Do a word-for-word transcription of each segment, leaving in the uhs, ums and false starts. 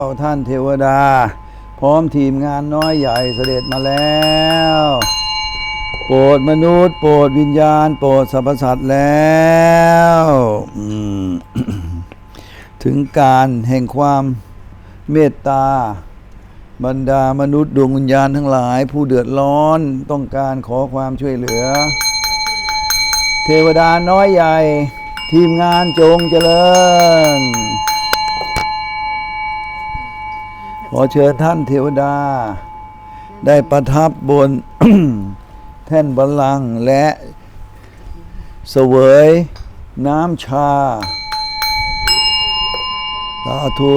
ท่านเทวดาพร้อมทีมงานน้อยใหญ่เสด็จมาแล้วโปรดมนุษย์โปรดวิญญาณโปรดสรรพสัตว์แล้วถึงการแห่งความเมตตาบรรดามนุษย์ดวงวิญญาณทั้งหลายผู้เดือดร้อนต้องการขอความช่วยเหลือเทวดาน้อยใหญ่ทีมงานจงเจริญขอเชิญท่านเทวดาได้ประทับบน แท่นบัลลังก์และเสวยน้ำชาสาธุ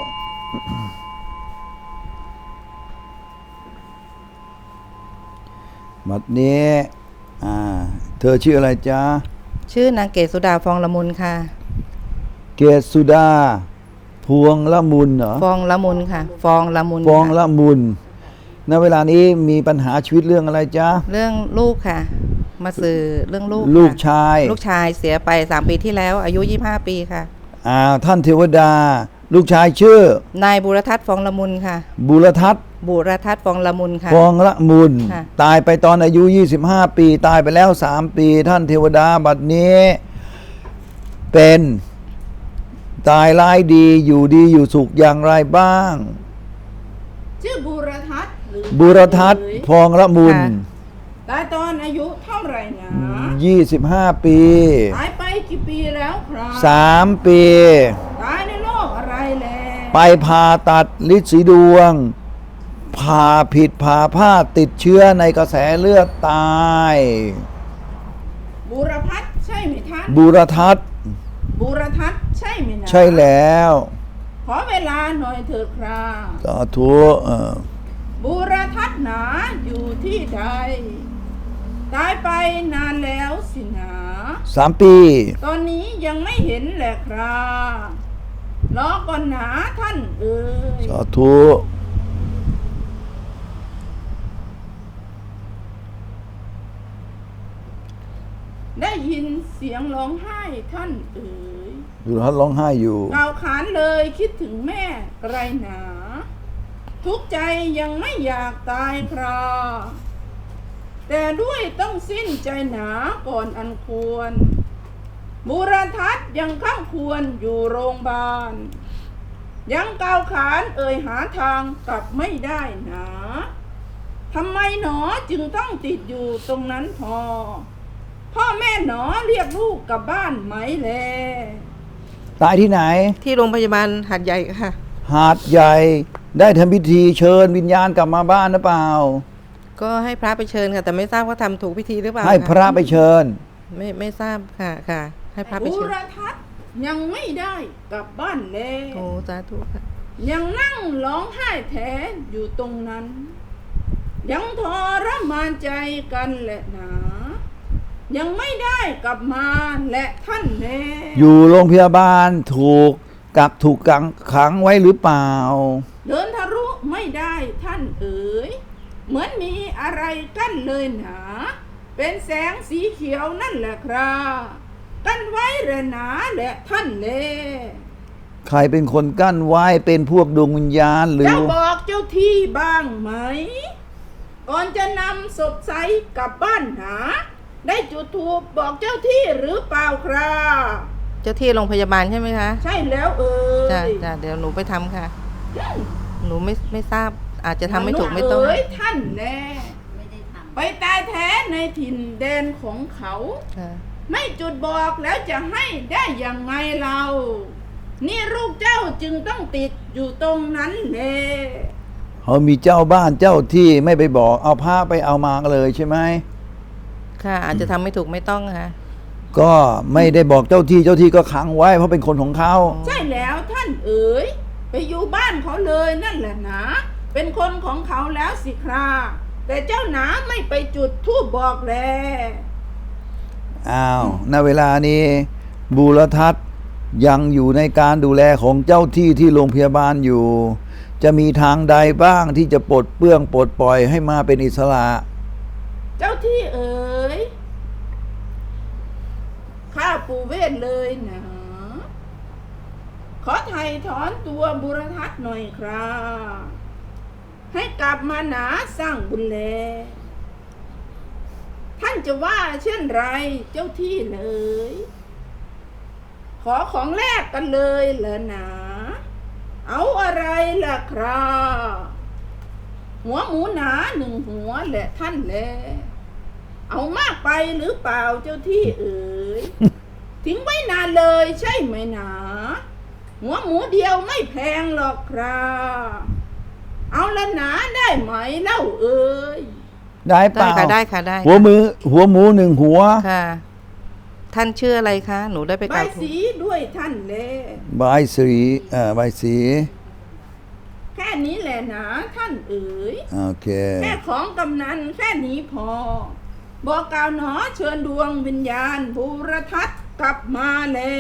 บัดนี้อ่าเธอชื่ออะไรจ๊ะชื่อนางเกศสุดาฟองละมุนค่ะเกศสุดาพวงละมุนเหรอฟองละมุนค่ะฟองละมุนฟองละมุนณเวลานี้มีปัญหาชีวิตเรื่องอะไรจ๊ะเรื่องลูกค่ะมาสื่อเรื่องลูกลูกชายลูกชายเสียไปสามปีที่แล้วอายุยี่สิบห้าปีค่ะอ่าท่านเทวดาลูกชายชื่อนายบุรทัศน์ฟองละมุนค่ะบุรทัศน์บุรทัศน์ฟองละมุนค่ะฟองละมุนตายไปตอนอายุยี่สิบห้าปีตายไปแล้วสามปีท่านเทวดาบัดนี้เป็นตายร้ายดีอยู่ดีอยู่สุขอย่างไรบ้างชื่อบุรทัศน์หรือบุรทัศน์ฟองละมุนตายตอนอายุเท่าไหร่นะยี่สิบห้าปีตายไปกี่ปีแล้วครับสามปีตายในโรคอะไรแลไปผ่าตัดฤทธิ์สีดวงผ่าผิดผ่าพลาดติดเชื้อในกระแสเลือดตายบุรพัฒน์ใช่ไหมท่านบุรทัศน์บุรทัศน์ใช่ไหมนะใช่แล้วขอเวลาหน่อยเถิดครับสาธุบุรทัศน์หนาอยู่ที่ใดตายไปนานแล้วสินะสามปีตอนนี้ยังไม่เห็นแหละครับรอก่อนหนาท่านเอ๋ยสาธุได้ยินเสียงร้องไห้ท่านเอ๋ยบุรทัศน์ร้องไห้อยู่กล่าวขานเลยคิดถึงแม่ไกลหนาทุกใจยังไม่อยากตายคราแต่ด้วยต้องสิ้นใจหนาก่อนอันควรบุรทัศน์ยังข้างควรอยู่โรงพยาบาลยังกล่าวขานเอ่ยหาทางกลับไม่ได้หนาทำไมหนอจึงต้องติดอยู่ตรงนั้นพอพ่อแม่หนอเรียกลูกกลับบ้านไหมแลตายที่ไหนที่โรงพยาบาลหาดใหญ่ค่ะหาดใหญ่ได้ทำพิธีเชิญวิญญาณกลับมาบ้านหรือเปล่าก็ให้พระไปเชิญค่ะแต่ไม่ทราบว่าทำถูกพิธีหรือเปล่าให้พระไปเชิญไม่ไม่ทราบค่ะค่ะให้พระไปเชิญบุรทัศน์ยังไม่ได้กลับบ้านเลยโอ้สาธุค่ะยังนั่งร้องไห้แท้อยู่ตรงนั้นยังทรมานใจกันแหละหนายังไม่ได้กลับมาและท่านแน่อยู่โรงพยาบาลถูกกักถูกกังขังไว้หรือเปล่าเดินทะลุไม่ได้ท่านเอ๋ยเหมือนมีอะไรกั้นเลยหนาเป็นแสงสีเขียวนั่นแหละครับกั้นไว้แหละหนาและท่านแน่ใครเป็นคนกั้นไว้เป็นพวกดวงวิญญาณหรือเจ้าบอกเจ้าที่บ้างไหมก่อนจะนำศพไซกลับบ้านหาได้จุดธูปบอกเจ้าที่หรือเปล่าครับเจ้าที่โรงพยาบาลใช่ไหมคะใช่แล้วเออจ้ะจ้ะเดี๋ยวหนูไปทำค่ะหนูไม่ไม่ทราบอาจจะทำไม่ถูกไม่ต้องเอ้ยท่านแน่ไม่ได้ทำไปตายแท้ในถิ่นแดนของเขาไม่จุดบอกแล้วจะให้ได้อย่างไงเรานี่ลูกเจ้าจึงต้องติดอยู่ตรงนั้นแน่เขามีเจ้าบ้านเจ้าที่ไม่ไปบอกเอาผ้าไปเอามาเลยใช่ไหมค่ะอาจจะทำไม่ถูกไม่ต้องค่ะก็ไม่ได้บอกเจ้าที่เจ้าที่ก็ขังไว้เพราะเป็นคนของเขาใช่แล้วท่านเอ๋ยไปอยู่บ้านเขาเลยนั่นแหละนะเป็นคนของเขาแล้วสิคราแต่เจ้าหนาไม่ไปจุดธูปบอกแลอ้าวณเวลานี้บุรทัศน์ยังอยู่ในการดูแลของเจ้าที่ที่โรงพยาบาลอยู่จะมีทางใดบ้างที่จะปลดเปลื้องปลดปล่อยให้มาเป็นอิสระเจ้าที่เอ๋ยข้าปู่เวทเลยนะขขอไถ่ถอนตัวบุรทัศน์หน่อยครับให้กลับมาหนาสร้างบุญแลท่านจะว่าเช่นไรเจ้าที่เลย ขอของแลกกันเลยเหรอหนาเอาอะไรล่ะครับหัวหมูหนาหนึ่งหัวแหละท่านแลเอามากไปหรือเปล่าเจ้าที่เอ๋ย ทิ้งไว้นานเลยใช่ไหมหนาหัวหมูเดียวไม่แพงหรอกครับเอาละหนาได้ไหมเล่าเอ๋ยได้เปได้ล่าค่ะได้ค่ะได้หัวมือหัวหมูหนึ่งหัวค่ะ ท่านชื่ออะไรคะ หนูได้ไปกใบราบทูลสีด้วยท่านแลบายสีเอ่อใบายสีแค่นี้แหละหนาท่านเอ๋ยโอเคแค่ของกำนันแค่นี้พอ บอกกล่าวหนอเชิญดวงวิญญาณบูรทัศน์กลับมาแล้ว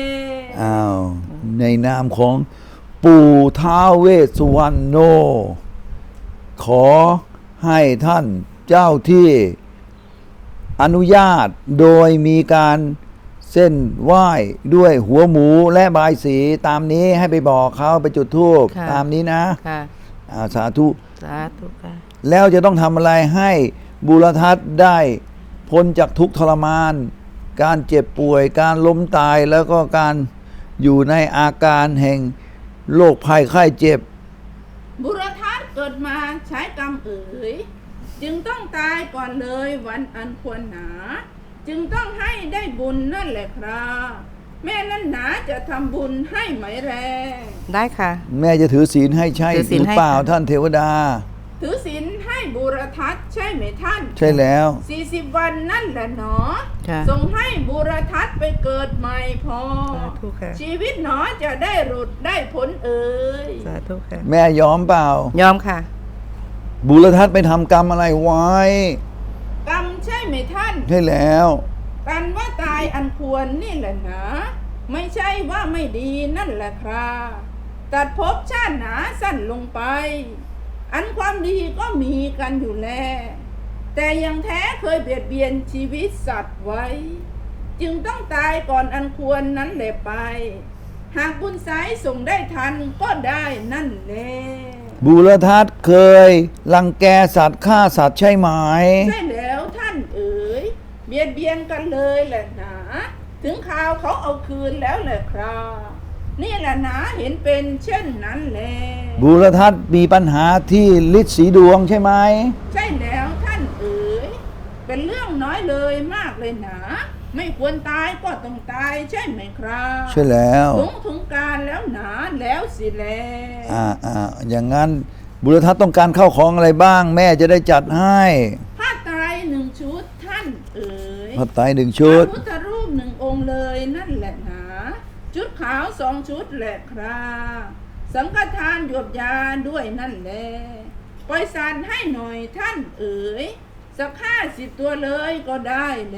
อ้าวในนามของปู่ท้าวเวสสุวรรณโน ขอให้ท่านเจ้าที่อนุญาตโดยมีการเส้นไหว้ด้วยหัวหมูและบายสีตามนี้ให้ไปบอกเขาไปจุดธูปค่ะตามนี้นะค่ะอ่าสาธุสาธุค่ะแล้วจะต้องทำอะไรให้บุรทัศน์ได้พ้นจากทุกข์ทรมาน การเจ็บป่วยการล้มตายแล้วก็การอยู่ในอาการแห่งโรคภัยไข้เจ็บบุรทัศน์เกิดมาใช้กรรมเอ๋ยจึงต้องตายก่อนเลยวันอันควรหนา จึงต้องให้ได้บุญนั่นแหละครับแม่นั่นหนาจะทำบุญให้ไหมแรงได้ค่ะแม่จะถือศีลให้ใช่ถือศีหลรือให้เปล่าค่ะท่านเทวดาถือศีลให้บุรทัศน์ใช่ไหมท่านใช่แล้วสี่สิบวันนั่นแหละหนอค่ะส่งให้บุรทัศน์ไปเกิดใหม่พอสาธุค่ะชีวิตหนอจะได้หลุดได้ผลเอ่ยสาธุค่ะแม่ยอมเปล่ายอมค่ะบุรทัศน์ไปทำกรรมอะไรไว้กรรมใช่ไหมท่านใช่แล้วกันว่าตายอันควรนี่แหละนะ ไม่ใช่ว่าไม่ดีนั่นแหละครับตัดภพชาติหนาสั้นลงไป อันความดีก็มีกันอยู่แล้วแต่ยังแท้เคยเบียดเบียนชีวิตสัตว์ไว้ จึงต้องตายก่อนอันควรนั้นแหละไป หากบุญสายส่งได้ทันก็ได้นั่นแหละบุรทัศน์เคยรังแกสัตว์ฆ่าสัตว์ใช่ไหมใช่แล้วท่านเอ๋ยเบียดเบียนกันเลยแหละหนาถึงข่าวเขาเอาคืนแล้วแหละครับนี่แหละหนาเห็นเป็นเช่นนั้นแหละบุรทัศน์มีปัญหาที่ฤทธิ์สีดวงใช่ไหมใช่แล้วท่านเอ๋ยเป็นเรื่องน้อยเลยมากเลยหนาไม่ควรตายก็ต้องตายใช่ไหมครับใช่แล้วถึงถึงการแล้วหนาแล้วสิแลอ่าอ่าอย่างนั้นบุรทัศน์ต้องการเข้าของอะไรบ้าง แม่จะได้จัดให้ผ้าไตรหนึ่งชุดท่านเอ๋ยพระไตรหนึ่งชุดพระพุทธรูปหนึ่งองค์เลยนั่นแหละหนาชุดขาวสองชุดแหละครับสังฆทานหยวบยาด้วยนั่นแหละปล่อยสารให้หน่อยท่านเอ๋ยสักห้าสิบตัวเลยก็ได้เลย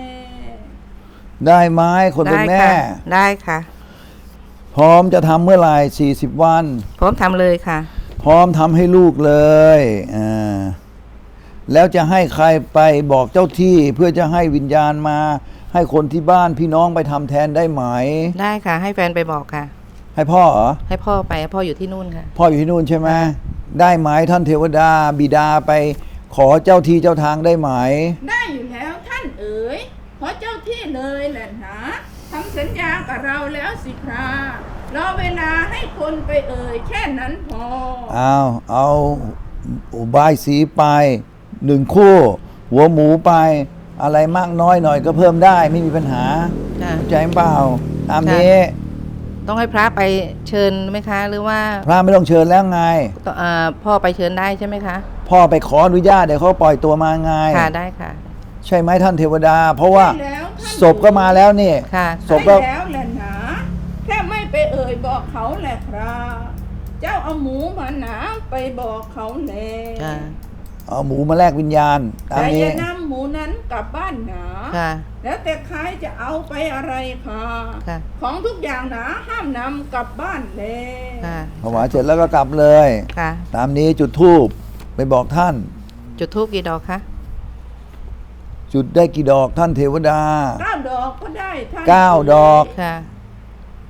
ได้ไหมคนเป็นได้แม่ค่ะ ได้ค่ะพร้อมจะทำเมื่อไหร่สี่สิบวันพร้อมทำเลยค่ะพร้อมทำให้ลูกเลยอ่าแล้วจะให้ใครไปบอกเจ้าที่เพื่อจะให้วิญญาณมา ให้คนที่บ้านพี่น้องไปทำแทนได้ไหมได้ค่ะ ให้แฟนไปบอกค่ะให้พ่อเหรอให้พ่อไปพ่ออยู่ที่นู่นค่ะพ่ออยู่ที่นู่นใช่ไหมได้ไหมท่านเทวดาบิดาไปขอเจ้าที่เจ้าทางได้ไหมได้อยู่แล้วท่านเอ๋ยเพราะเจ้าที่เลยแหละนะทำสัญญากับเราแล้วสิครารอเวลาให้คนไปเอ่ยแค่นั้นพอเอาเอาอุบายสีไปหนึ่งคู่ หัวหมูไป อะไรมากน้อยหน่อยก็เพิ่มได้ไม่มีปัญหาค่ะเข้าใจเปล่าตามนี้ต้องให้พระไปเชิญไหมคะ หรือว่าพระไม่ต้องเชิญแล้วไงต้องเอ่อพ่อไปเชิญได้ใช่ไหมคะพ่อไปขออนุญาตเดี๋ยวเขาปล่อยตัวมาไงค่ะ ได้ค่ะใช่ไหมท่านเทวดา เพราะว่าใช่แล้วท่านศพก็มาแล้วนี่ค่ะศพก็ใช่แล้วแหละนะแค่ไม่ไปเอ่ยบอกเขาแหละครับเจ้าเอาหมูมาหนาไปบอกเขาแหละค่ะเอาหมูมาแลกวิญญาณตามแต่อนี้ย่านำหมูนั้นกลับบ้านหนาค่ะแล้วแต่ใครจะเอาไปอะไรค่ะค่ะของทุกอย่างหนาห้ามนำกลับบ้านเลยค่ะถวายเสร็จแล้วก็กลับเลยค่ะตามนี้จุดธูปไปบอกท่านจุดธูปกี่ดอกคะจุดได้กี่ดอกท่านเทวดาเก้าดอกก็ได้ท่านเก้าดอกค่ะ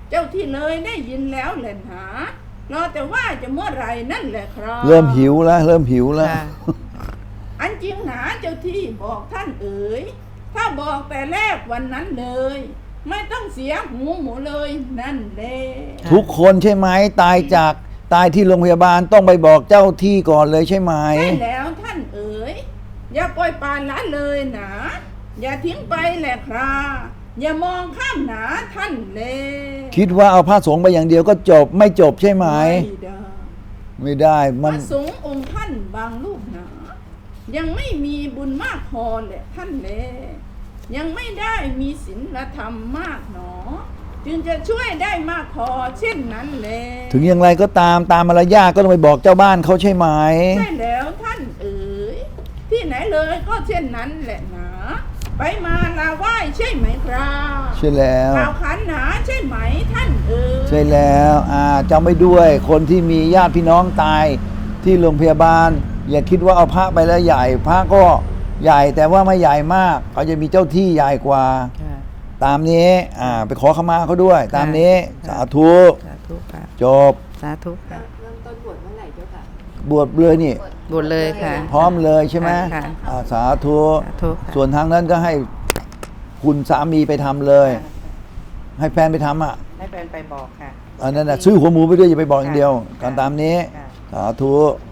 เจ้าที่เลยได้ยินแล้วแหละหนารอแต่ว่าจะเมื่อไหรนั่นแหละครับเริ่มหิวแล้วเริ่มหิวแล้วค่ะอันจริงหนาเจ้าที่บอกท่านเอ๋ยถ้าบอกแต่แรกวันนั้นเลย ไม่ต้องเสียหูหมูเลยนั่นแหละทุกคนใช่ไหมตายจากตายที่โรงพยาบาลต้องไปบอกเจ้าที่ก่อนเลยใช่ไหมใช่แล้วท่านเอ๋ยอย่าปล่อยปละละเลยนะ อย่าทิ้งไปแหละครับอย่ามองข้ามหนาท่านเลยคิดว่าเอาพระสงฆ์ไปอย่างเดียวก็จบไม่จบใช่ไหมไม่ได้ไม่ได้พมันระสงฆ์องค์ท่านบางรูปหนา ยังไม่มีบุญมากพอแหละท่านแลยังไม่ได้มีศีลธรรมมากหนอ จึงจะช่วยได้มากพอเช่นนั้นแลถึงอย่างไรก็ตามตามมารยาทก็ต้องไปบอกเจ้าบ้านเขาใช่ไหมใช่แล้วท่านเอ๋ยที่ไหนเลยก็เช่นนั้นแหละหนาไปมาลาไหว้ใช่ไหมครับใช่แล้วข่าวขันหนาใช่ไหมท่านเอ๋ยใช่แล้วอ่าจำไว้ด้วยคนที่มีญาติพี่น้องตายที่โรงพยาบาล อย่าคิดว่าเอาพระไปแล้วใหญ่ พระก็ใหญ่แต่ว่าไม่ใหญ่มากเขาจะมีเจ้าที่ใหญ่กว่าค่ะตามนี้อ่าไปขอขมาเขาด้วย ตามนี้ค่ะสาธุสาธุค่ะจบสาธุค่ะเริ่มต้นบวชเมื่อไหร่เจ้าค่ะบวชเลยนี่บวชเลยค่ะพร้อมเลยใช่ไหมค่ะอ่าสาธุสาธุค่ะส่วนทางนั้นก็ให้คุณสามีไปทำเลย ให้แฟนไปทำอ่ะให้แฟนไปบอกค่ะอันนั้นน่ะซื้อหัวหมูไปด้วยอย่าไปบอกอย่างเดียวค่ะการตามนี้ค่ะสาธุค